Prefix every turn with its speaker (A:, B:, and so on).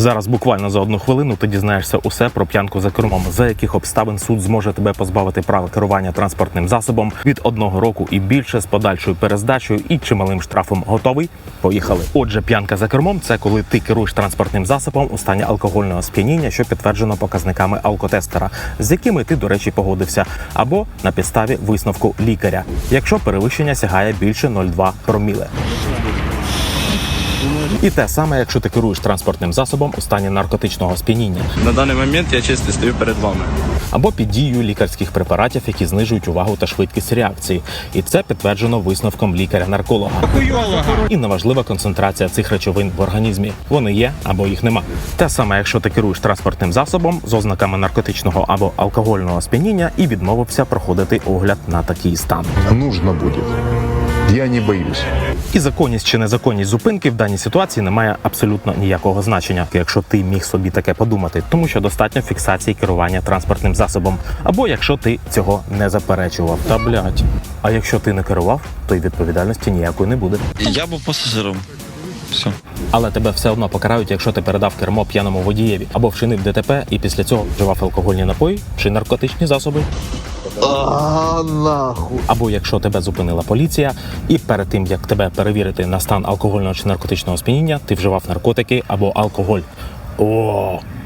A: Зараз буквально за 1 хвилину ти дізнаєшся усе про п'янку за кермом, за яких обставин суд зможе тебе позбавити права керування транспортним засобом від 1 року і більше з подальшою перездачею і чималим штрафом. Готовий? Поїхали. Отже, п'янка за кермом – це коли ти керуєш транспортним засобом у стані алкогольного сп'яніння, що підтверджено показниками алкотестера, з якими ти, до речі, погодився, або на підставі висновку лікаря, якщо перевищення сягає більше 0,2 проміле. І те саме, якщо ти керуєш транспортним засобом у стані наркотичного сп'яніння.
B: На даний момент я чисто стою перед вами.
A: Або під дією лікарських препаратів, які знижують увагу та швидкість реакції. І це підтверджено висновком лікаря-нарколога. І неважлива концентрація цих речовин в організмі. Вони є або їх нема. Те саме, якщо ти керуєш транспортним засобом з ознаками наркотичного або алкогольного сп'яніння і відмовився проходити огляд на такий стан.
C: Нужно будет. Я не боюсь.
A: І законність чи незаконність зупинки в даній ситуації не має абсолютно ніякого значення, якщо ти міг собі таке подумати, тому що достатньо фіксації керування транспортним засобом, або якщо ти цього не заперечував. Та блядь. А якщо ти не керував, то й відповідальності ніякої не буде.
B: Я був пасажиром. Все.
A: Але тебе все одно покарають, якщо ти передав кермо п'яному водієві, або вчинив ДТП і після цього вживав алкогольні напої чи наркотичні засоби.
C: Нахуй.
A: Або якщо тебе зупинила поліція, і перед тим, як тебе перевірити на стан алкогольного чи наркотичного сп'яніння, ти вживав наркотики або алкоголь. О,